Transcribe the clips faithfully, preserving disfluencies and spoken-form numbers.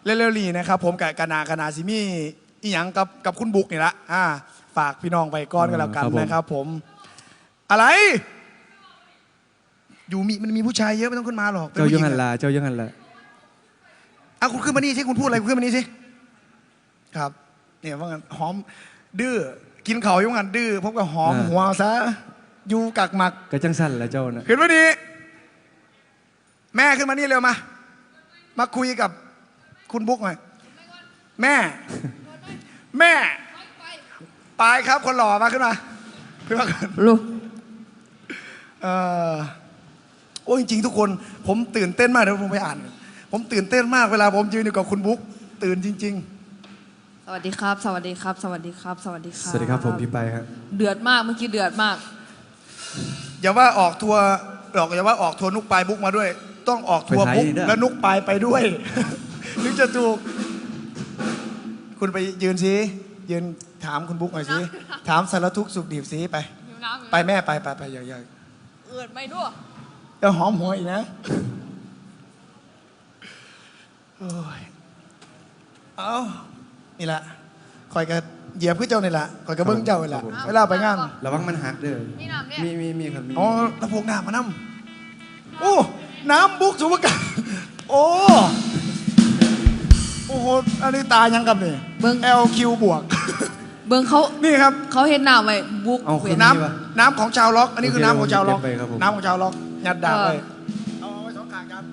เร็วๆนี้นะครับผมกับกนากนาซิมีอีหยังกับกับคุณบุ๊กนี่ละอ่าฝากพี่น้องไปก้อนกันแล้วกันนะครับผมอะไรอยู่มีมันมีผู้ชายเยอะไม่ต้องขึ้นมาหรอกเจ้ายังหันละเจ้ายังหันละอ่ะคุณขึ้นมานี่สิคุณพูดอะไรคุณขึ้นมานี่สิครับเนี่ยว่างั้นหอมดื้อกินเขายุ่งกันดื้อพบกับหอมหัวซะอยู่กักหมักกระจังสั้นละเจ้านะขึ้นมาดิแม่ขึ้นมานี่เร็วมามาคุยกับคุณบุ๊กหน่อยแม่แม่ไปครับคนหล่อมาขึ้นมาขึ้นมากันลูกเออโอ้จริงๆทุกคนผมตื่นเต้นมากเดี๋ยวผมไปอ่านผมตื่นเต้นมากเวลาผมยืนอยู่กับคุณบุ๊กตื่นจริงๆสวัสดีครับสวัสดีครับสวัสดีครับสวัสดีครับสวัสดีครับผมพี่ไปครับเดือดมากเมื่อกี้เดือดมากอย่าว่าออกทัวร์หรอกอย่าว่าออกทัวร์นุกปลายบุ๊กมาด้วยต้องออกทัวร์บุ๊กและนุกปลายไปด้วยถึงจะถูกคุณไปยืนสิยืนถามคุณบุ๊กหน่อยสิถามสารทุกข์สุขดิบสิไปไปแม่ไปไปไปอย่าๆเอือดไม่ด้วยจะหอมหัวอีกนะโอ้ยเอานี่แหละคอยกระเหยียบขึ้นเจ้านี่แหละคอยกระเบื้องเจ้านี่แหละเวลาไปงานระวังมันหักเด้อมีมีมีครับมีอ๋อระพงน้ำมาน้ำโอ้น้ำบุ๊กสุภกาโอ้โอ้โหอันนี้ตายังกับนี่เบิ้ง แอล คิว บวกเบิ้งเขานี่ครับเขาเห็นน้ำไว้บุ๊กน้ำน้ำของชาวล็อกอันนี้คือน้ำของชาวล็อกน้ำของชาวล็อกยัดดาบเลยเอาไว้สองข้างครับ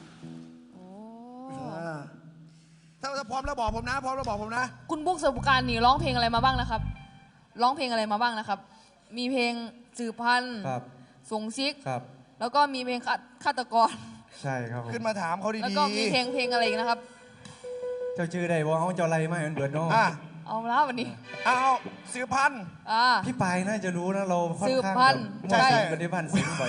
ถ้าถ้าพร้อมแล้วบอกผมนะพร้อมแล้วบอกผมนะคุณบุ๊กสุภการนี่ร้องเพลงอะไรมาบ้างนะครับร้องเพลงอะไรมาบ้างนะครับมีเพลงสืบพันธุ์ส่งซิกแล้วก็มีเพลงฆาตกรใช่ครับขึ้นมาถามเขาดีๆแล้วก็มีเพลงเพลงอะไรอีกนะครับเจ้าชื่อใดว่าเขาเจ้าไรไม่เหมือนเบิร์ดน้องเอาแล้ววันนี้เอาสืบพันธุ์พี่ปายน่าจะรู้นะเราค่อนข้างแบบใช่ใช่ปฏิบัติสิ่งบ่อย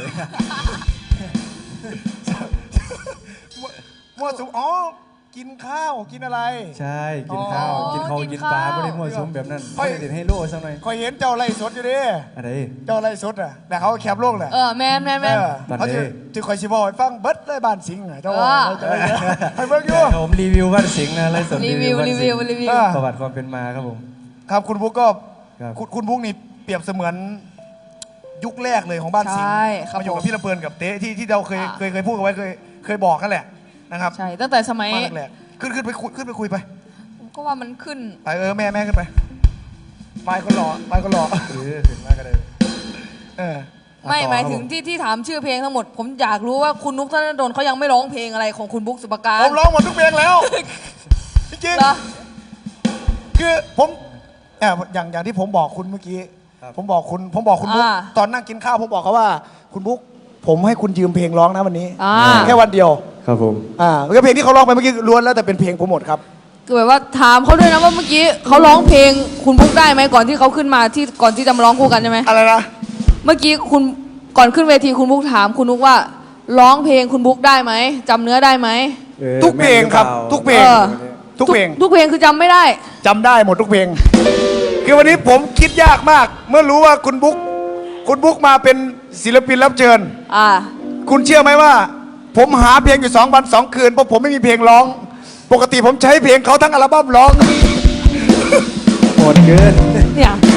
มั่วสุมอ๋อกินข้าวกินอะไรใช่กินข้าวกินข้าวกินปลาไม่ได้มั่วสุมแบบนั้นไม่ได้เด็ดให้โล่สักหน่อยคอยเห็นเจ้าไล่สดอยู่ดิอะไรเจ้าไล่สดอ่ะแต่เขาแคบโลกแหละเออแมนแมนแมนเขาจะจะคอยชิบอยฟังเบิร์ดได้บ้านสิงห์เจ้าว่าให้เบิร์ดอยู่ผมรีวิวบ้านสิงห์นะไล่สดรีวิวรีวิวรีวิวประวัติความเป็นมาครับผมครับคุณบุ๊กก็คุณบุ๊กนี่เปรียบเสมือนยุคแรกเลยของบ้านสิงห์มาอยู่กับพี่ลำเพลินกับเต๊ที่ที่เราเคยเคยเคยพูดกันไว้เคยเคยบอกกันแหละนะครับใช่ตั้งแต่สมัยแรกขึ้นขึ้นไปคุยขึ้นไปคุยไปก็ว่ามันขึ้นไปเออแม่แม่ขึ้นไปไปก็หล่อไปก็หล่อเออถึงมากก็เลยเออไม่หมายถึงที่ที่ถามชื่อเพลงทั้งหมดผมอยากรู้ว่าคุณนุ๊กธนดลเขายังไม่ร้องเพลงอะไรของคุณบุ๊กสุภการผมร้องหมดทุกเพลงแล้วจริงๆคือผมอย่างอย่างที่ผมบอกคุณเมื่อกี้ผมบอกคุณผมบอกคุณบุ๊กตอนนั่งกินข้าวผมบอกเขาว่าคุณบุ๊กผมให้คุณยืมเพลงร้องนะวันนี้แค่วันเดียวครับผมอ่าแล้วเพลงที่เขาร้องไปเมื่อกี้ล้วนแล้วแต่เป็นเพลงผมหมดครับคือแบบว่าถามเขาด้วยนะว่าเมื่อกี้เขาร้องเพลงคุณบุ๊กได้ไหมก่อนที่เขาขึ้นมาที่ก่อนที่จะมาร้องคู่กันใช่ไหมอะไรนะเมื่อกี้คุณก่อนขึ้นเวทีคุณบุ๊กถามคุณนุ๊กว่าร้องเพลงคุณบุ๊กได้ไหมจำเนื้อได้ไหมทุกเพลงครับทุกเพลงทุกเพลงทุกเพลงคือจำไม่ได้จำได้หมดทุกเพลงคือวันนี้ผมคิดยากมากเมื่อรู้ว่าคุณบุ๊กคุณบุ๊กมาเป็นศิลปินรับเชิญอ่าคุณเชื่อไหมว่าผมหาเพลงอยู่สองวันสองคืนเพราะผมไม่มีเพลงร้องปกติผมใช้เพลงเขาทั้งอัลบั้มร้องโหดเกินเนี่ย